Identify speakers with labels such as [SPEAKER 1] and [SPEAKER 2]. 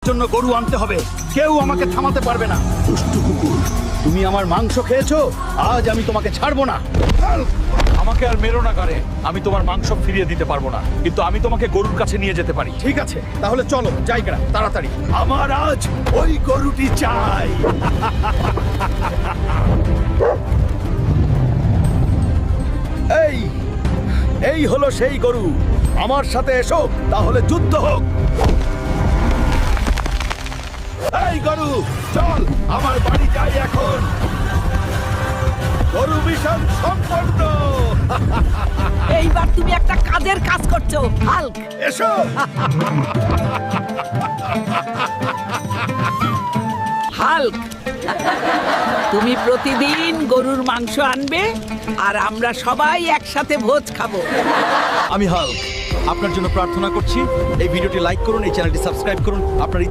[SPEAKER 1] জন্য গরু আনতে হবে, কেউ আমাকে থামাতে পারবে না। দুষ্টু কুকুর, তুমি আমার মাংস খেয়েছো, আজ আমি তোমাকে ছাড়বো না।
[SPEAKER 2] আমাকে আর মেরো না গারে, আমি তোমার মাংস ফিরিয়ে দিতে পারবো না, কিন্তু আমি তোমাকে গরুর কাছে নিয়ে যেতে পারি।
[SPEAKER 1] ঠিক আছে, তাহলে চলো জায়গা তাড়াতাড়ি। আমার আজ ওই গরুটি চাই। এই এই হলো সেই গরু, আমার সাথে এসো, তাহলে যুদ্ধ হোক। এই গরু, চল আমার বাড়ি যাই এখন। গরু মিশন সম্পন্ন।
[SPEAKER 3] এইবার তুমি একটা কাজের কাজ করছো হাল্ক।
[SPEAKER 1] এসো।
[SPEAKER 3] হাল্ক, তুমি প্রতিদিন গরুর মাংস আনবে আর আমরা সবাই একসাথে ভোজ খাবো।
[SPEAKER 1] আমি হাল্ক, আপনার জন্য প্রার্থনা করছি। এই ভিডিওটি লাইক করুন, এই চ্যানেলটি সাবস্ক্রাইব করুন। আপনার